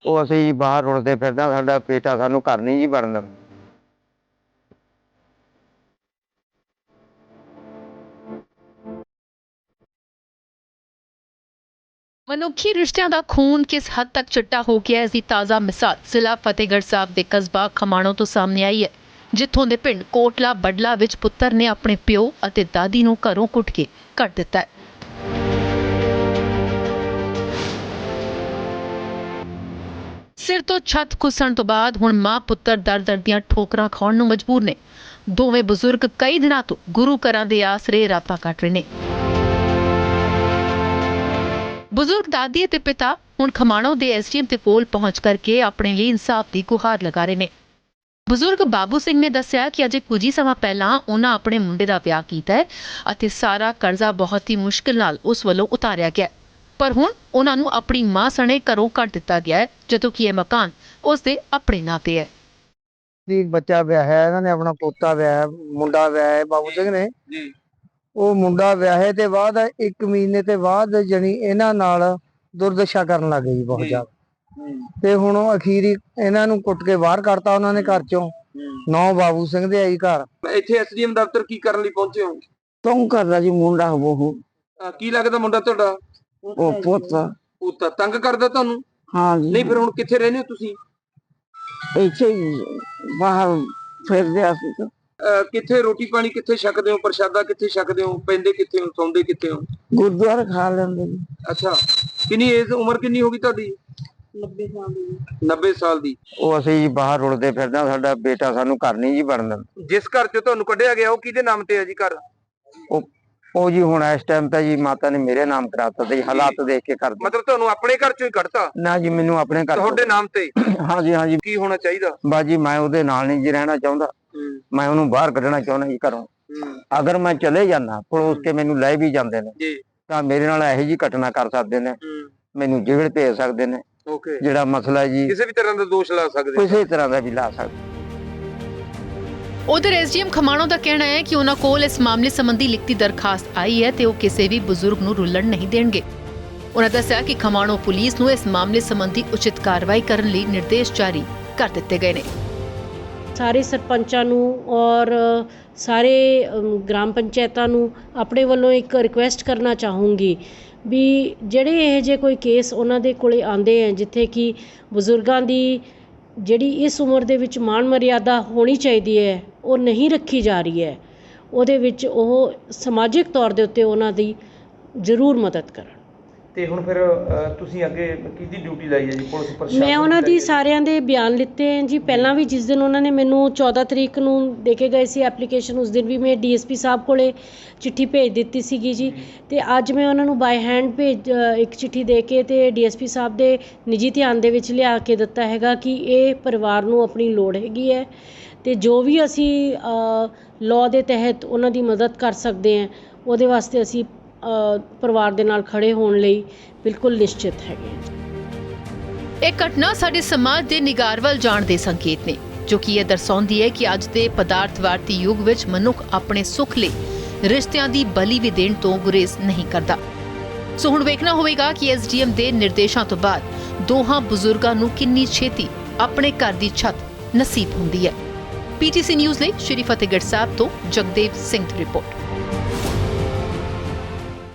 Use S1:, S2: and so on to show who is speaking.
S1: ਉਹ ਅਸੀਂ ਬਾਹਰ ਰੁਲਦੇ ਫਿਰਦੇ, ਸਾਡਾ ਬੇਟਾ ਸਾਨੂੰ ਘਰ ਨਹੀਂ ਜੀ ਵੜਨ ਦਿੰਦਾ।
S2: ਮਨੁੱਖੀ ਰਿਸ਼ਤਿਆਂ ਦਾ ਖੂਨ ਕਿਸ ਹੱਦ ਤੱਕ ਚਿੱਟਾ ਹੋ ਗਿਆ ਹੈ, ਇਸ ਦੀ ਤਾਜ਼ਾ ਮਿਸਾਲ ਜ਼ਿਲ੍ਹਾ ਫਤਿਹਗੜ੍ਹ ਸਾਹਿਬ ਦੇ ਕਸਬਾ ਖਮਾਣੋ ਤੋਂ ਸਾਹਮਣੇ ਆਈ ਹੈ, ਜਿੱਥੋਂ ਦੇ ਪਿੰਡ ਕੋਟਲਾ ਬਡਲਾ ਵਿੱਚ ਪੁੱਤਰ ਨੇ ਆਪਣੇ ਪਿਓ ਅਤੇ ਦਾਦੀ ਨੂੰ ਘਰੋਂ ਕੁੱਟ ਕੇ ਕੱਢ ਦਿੱਤਾ ਹੈ। ਸਿਰ ਤੋਂ ਛੱਤ ਖੁੱਸਣ ਤੋਂ ਬਾਅਦ ਹੁਣ ਮਾਂ ਪੁੱਤਰ ਦਰ-ਦਰ ਦੀਆਂ ਠੋਕਰਾਂ ਖਾਣ ਨੂੰ ਮਜਬੂਰ ਨੇ। ਦੋਵੇਂ ਬਜ਼ੁਰਗ ਕਈ ਦਿਨਾਂ ਤੋਂ ਗੁਰੂ ਘਰਾਂ ਦੇ ਆਸਰੇ ਰਾਤਾਂ ਕੱਟ ਰਹੇ ਨੇ। ਬਜ਼ੁਰਗ ਦਾਦੀ ਅਤੇ ਪਿਤਾ ਹੁਣ ਖਮਾਣੋ ਦੇ ਐਸਡੀਐਮ ਦੇ ਕੋਲ ਪਹੁੰਚ ਕਰਕੇ ਆਪਣੇ ਲਈ ਇਨਸਾਫ ਦੀ ਗੁਹਾਰ ਲਗਾ ਰਹੇ ਨੇ। ਬਜ਼ੁਰਗ ਬਾਬੂ ਸਿੰਘ ਨੇ ਦੱਸਿਆ ਕਿ ਅਜੇ ਕੁਝ ਹੀ ਸਮਾਂ ਪਹਿਲਾਂ ਉਹਨਾਂ ਆਪਣੇ ਮੁੰਡੇ ਦਾ ਵਿਆਹ ਕੀਤਾ ਹੈ ਅਤੇ ਸਾਰਾ ਕਰਜ਼ਾ ਬਹੁਤ ਹੀ ਮੁਸ਼ਕਿਲ ਨਾਲ ਉਸ ਵੱਲੋਂ ਉਤਾਰਿਆ ਗਿਆ, ਪਰ ਹੁਣ ਉਹਨਾਂ ਨੂੰ ਆਪਣੀ ਮਾਂ ਸਣੇ ਘਰੋਂ ਕੱਢ ਦਿੱਤਾ ਗਿਆ ਹੈ, ਜਦੋਂ ਕਿ ਇਹ ਮਕਾਨ ਉਸ ਦੇ ਆਪਣੇ ਨਾਂ ਤੇ ਹੈ।
S1: ਇੱਕ ਬੱਚਾ ਵਿਆਹਿਆ, ਇਹਨਾਂ ਨੇ ਆਪਣਾ ਪੋਤਾ ਵਿਆਹਿਆ, ਮੁੰਡਾ ਵਿਆਹਿਆ ਬਾਬੂ ਸਿੰਘ ਨੇ ਜੀ। ਉਹ ਮੁੰਡਾ ਵਿਆਹੇ ਤੇ ਬਾਅਦ 1 ਮਹੀਨੇ ਤੇ ਬਾਅਦ ਜਣੀ ਇਹਨਾਂ ਨਾਲ ਦੁਰਦਸ਼ਾ ਕਰਨ ਲੱਗ ਗਈ ਬਹੁਤ ਜ਼ਿਆਦਾ, ਤੇ ਹੁਣ ਅਖੀਰੀ ਇਹਨਾਂ ਨੂੰ ਕੁੱਟ ਕੇ ਬਾਹਰ ਕੱਢਤਾ ਉਹਨਾਂ ਨੇ ਘਰ ਚੋਂ। 9 ਬਾਬੂ ਸਿੰਘ ਦੇ ਆਈ ਘਰ।
S3: ਇੱਥੇ ਐਸਡੀਐਮ ਦਫ਼ਤਰ ਕੀ ਕਰਨ ਲਈ ਪਹੁੰਚੇ ਹੋ?
S1: ਤੂੰ ਕਰਦਾ ਜੀ ਮੁੰਡਾ ਉਹ
S3: ਕੀ ਲੱਗਦਾ ਮੁੰਡਾ ਤੁਹਾਡਾ?
S1: ਉਹ
S3: ਪੁੱਤ ਤੰਗ ਕਰਦਾ ਤੁਹਾਨੂੰ?
S1: ਹਾਂ ਜੀ।
S3: ਨਹੀਂ ਫਿਰ ਹੁਣ ਕਿੱਥੇ ਰਹਿੰਦੇ ਹੋ ਤੁਸੀਂ?
S1: ਇੱਥੇ ਬਾਹਰ ਫਿਰਦੇ ਅਸੀਂ।
S3: ਕਿੱਥੇ ਰੋਟੀ ਪਾਣੀ ਕਿੱਥੇ ਛਕਦੇ ਹੋ? ਪ੍ਰਸ਼ਾਦਾ ਕਿੱਥੇ ਛਕਦੇ ਹੋ? ਪੈਂਦੇ ਕਿੱਥੇ ਹੋ? ਸੌਂਦੇ ਕਿੱਥੇ ਹੋ?
S1: ਗੁਰਦੁਆਰਾ ਖਾ ਲੈਂਦੇ ਜੀ।
S3: ਅੱਛਾ, ਕਿੰਨੀ ਏਜ ਉਮਰ ਕਿੰਨੀ ਹੋ ਗਈ ਤੁਹਾਡੀ?
S1: 90 ਸਾਲ ਦੀ।
S3: 90 ਸਾਲ ਦੀ।
S1: ਉਹ ਅਸੀਂ ਬਾਹਰ ਰੁਲਦੇ ਫਿਰਦੇ, ਸਾਡਾ ਬੇਟਾ ਸਾਨੂੰ ਘਰ ਨਹੀਂ ਜੀ ਵੜਨ ਦਿੰਦਾ।
S3: ਜਿਸ ਘਰ ਚੋਂ ਤੁਹਾਨੂੰ ਕੱਢਿਆ ਗਿਆ ਉਹ ਕਿਹਦੇ ਨਾਮ ਤੇ ਹੈ ਜੀ ਘਰ?
S1: ਉਹ ਜੀ ਹੁਣ ਇਸ ਟਾਈਮ ਤਾਂ ਜੀ ਮਾਤਾ ਨੇ ਮੇਰੇ ਨਾਮ ਕਰਾਤਾ ਤੇ ਹਾਲਾਤ ਦੇਖ ਕੇ ਕਰ ਦਿੱਤਾ।
S3: ਮਤਲਬ ਤੁਹਾਨੂੰ ਆਪਣੇ ਘਰ ਚੋਂ ਹੀ ਕੱਢਤਾ?
S1: ਨਾ ਜੀ, ਮੈਨੂੰ ਆਪਣੇ ਘਰ
S3: ਤੁਹਾਡੇ ਨਾਮ ਤੇ?
S1: ਹਾਂ ਜੀ।
S3: ਕੀ ਹੋਣਾ ਚਾਹੀਦਾ?
S1: ਬਾਜੀ ਮੈਂ ਉਹਦੇ ਨਾਲ ਨਹੀਂ ਜੀ ਰਹਿਣਾ ਚਾਹੁੰਦਾ, ਮੈਂ ਉਹਨੂੰ ਬਾਹਰ ਕੱਢਣਾ ਚਾਹੁੰਦਾ ਜੀ ਘਰੋਂ। ਅਗਰ ਮੈਂ ਚਲੇ ਜਾਣਾ ਪੜੋਸ ਕੇ ਮੈਨੂੰ ਲੈ ਵੀ ਜਾਂਦੇ ਨੇ ਤਾਂ ਮੇਰੇ ਨਾਲ ਇਹੋ ਜਿਹੀ ਘਟਨਾ ਕਰ ਸਕਦੇ ਨੇ, ਮੈਨੂੰ ਜੇਲ੍ਹ ਭੇਜ ਸਕਦੇ ਨੇ। ਜਿਹੜਾ ਮਸਲਾ ਜੀ
S3: ਕਿਸੇ ਵੀ ਤਰ੍ਹਾਂ ਦਾ ਦੋਸ਼ ਲਾ ਸਕਦੇ,
S1: ਕਿਸੇ ਤਰ੍ਹਾਂ ਦਾ ਵੀ ਲਾ ਸਕਦੇ।
S2: ਉਧਰ ਐਸਡੀਐਮ ਖਮਾਣੋ ਦਾ ਕਹਿਣਾ ਹੈ ਕਿ ਉਹਨਾਂ ਕੋਲ ਇਸ ਮਾਮਲੇ ਸੰਬੰਧੀ ਲਿਖਤੀ ਦਰਖਾਸਤ ਆਈ ਹੈ ਤੇ ਉਹ ਕਿਸੇ ਵੀ ਬਜ਼ੁਰਗ ਨੂੰ ਰੁਲਣ ਨਹੀਂ ਦੇਣਗੇ। ਉਹਨਾਂ ਦੱਸਿਆ ਕਿ ਖਮਾਣੋ ਪੁਲਿਸ ਨੂੰ ਇਸ ਮਾਮਲੇ ਸੰਬੰਧੀ ਉਚਿਤ ਕਾਰਵਾਈ ਕਰਨ ਲਈ ਨਿਰਦੇਸ਼ ਜਾਰੀ ਕਰ ਦਿੱਤੇ ਗਏ ਨੇ।
S4: ਸਾਰੇ ਸਰਪੰਚਾਂ ਨੂੰ ਔਰ ਸਾਰੇ ਗ੍ਰਾਮ ਪੰਚਾਇਤਾਂ ਨੂੰ ਆਪਣੇ ਵੱਲੋਂ ਇੱਕ ਰਿਕੁਐਸਟ ਕਰਨਾ ਚਾਹੂੰਗੀ ਵੀ ਜਿਹੜੇ ਇਹ ਜੇ ਕੋਈ ਕੇਸ ਉਹਨਾਂ ਦੇ ਕੋਲੇ ਆਉਂਦੇ ਹੈ ਜਿੱਥੇ ਕਿ ਬਜ਼ੁਰਗਾਂ ਦੀ ਜਿਹੜੀ ਇਸ ਉਮਰ ਦੇ ਵਿੱਚ ਮਾਣ ਮਰਿਆਦਾ ਹੋਣੀ ਚਾਹੀਦੀ ਹੈ ਉਹ ਨਹੀਂ ਰੱਖੀ ਜਾ ਰਹੀ ਹੈ, ਉਹਦੇ ਵਿੱਚ ਉਹ ਸਮਾਜਿਕ ਤੌਰ ਦੇ ਉੱਤੇ ਉਹਨਾਂ ਦੀ ਜ਼ਰੂਰ ਮਦਦ ਕਰਨ।
S3: ਤੇ ਹੁਣ ਫਿਰ ਤੁਸੀਂ ਅੱਗੇ ਕਿਹਦੀ ਡਿਊਟੀ ਲਾਈ ਹੈ ਜੀ? ਪੁਲਿਸ ਪ੍ਰਸ਼ਾਸਨ?
S4: ਮੈਂ ਉਹਨਾਂ ਦੀ ਸਾਰਿਆਂ ਦੇ ਬਿਆਨ ਲਿੱਤੇ ਹੈ ਜੀ। ਪਹਿਲਾਂ ਵੀ ਜਿਸ ਦਿਨ ਉਹਨਾਂ ਨੇ ਮੈਨੂੰ 14 ਤਰੀਕ ਨੂੰ ਦੇ ਕੇ ਗਏ ਸੀ ਐਪਲੀਕੇਸ਼ਨ, ਉਸ ਦਿਨ ਵੀ ਮੈਂ ਡੀਐਸਪੀ ਸਾਹਿਬ ਕੋਲੇ ਚਿੱਠੀ ਭੇਜ ਦਿੱਤੀ ਸੀਗੀ ਜੀ, ਤੇ ਅੱਜ ਮੈਂ ਉਹਨਾਂ ਨੂੰ ਬਾਈ ਹੈਂਡ ਇੱਕ ਚਿੱਠੀ ਦੇ ਕੇ ਤੇ ਡੀਐਸਪੀ ਸਾਹਿਬ ਦੇ ਨਿੱਜੀ ਧਿਆਨ ਦੇ ਵਿੱਚ ਲਿਆ ਕੇ ਦਿੱਤਾ ਹੈਗਾ ਕਿ ਇਹ ਪਰਿਵਾਰ ਨੂੰ ਆਪਣੀ ਲੋੜ ਹੈਗੀ ਹੈ ਤੇ ਜੋ ਵੀ ਅਸੀਂ ਲਾਅ ਦੇ ਤਹਿਤ ਉਹਨਾਂ ਦੀ ਮਦਦ ਕਰ ਸਕਦੇ ਹਾਂ ਉਹਦੇ ਵਾਸਤੇ ਅਸੀਂ ਪਰਿਵਾਰ ਦੇ ਨਾਲ ਖੜੇ ਹੋਣ ਲਈ ਬਿਲਕੁਲ ਨਿਸ਼ਚਿਤ ਹੈਗੇ।
S2: ਇਹ ਘਟਨਾ ਸਾਡੇ ਸਮਾਜ ਦੇ ਨਿਗਾਰ ਵੱਲ ਜਾਣ ਦੇ ਸੰਕੇਤ ਨੇ, ਜੋ ਕਿ ਇਹ ਦਰਸਾਉਂਦੀ ਹੈ ਕਿ ਅੱਜ ਦੇ ਪਦਾਰਥਵਾਦੀ ਯੁੱਗ ਵਿੱਚ ਮਨੁੱਖ ਆਪਣੇ ਸੁੱਖ ਲਈ ਰਿਸ਼ਤਿਆਂ ਦੀ ਬਲੀ ਵੀ ਦੇਣ ਤੋਂ ਗੁਰੇਜ਼ ਨਹੀਂ ਕਰਦਾ। ਸੋ ਹੁਣ ਵੇਖਣਾ ਹੋਵੇਗਾ ਕਿ ਐਸਡੀਐਮ ਦੇ ਨਿਰਦੇਸ਼ਾਂ ਤੋਂ ਬਾਅਦ ਦੋਹਾਂ ਬਜ਼ੁਰਗਾਂ ਨੂੰ ਕਿੰਨੀ ਛੇਤੀ ਆਪਣੇ ਘਰ ਦੀ ਛੱਤ ਨਸੀਬ ਹੁੰਦੀ ਹੈ। ਪੀਟੀਸੀ ਨਿਊਜ਼ ਲਈ ਸ਼੍ਰੀ ਫਤਿਹਗੜ੍ਹ ਸਾਹਿਬ ਤੋਂ ਜਗਦੇਵ ਸਿੰਘ ਦੀ ਰਿਪੋਰਟ।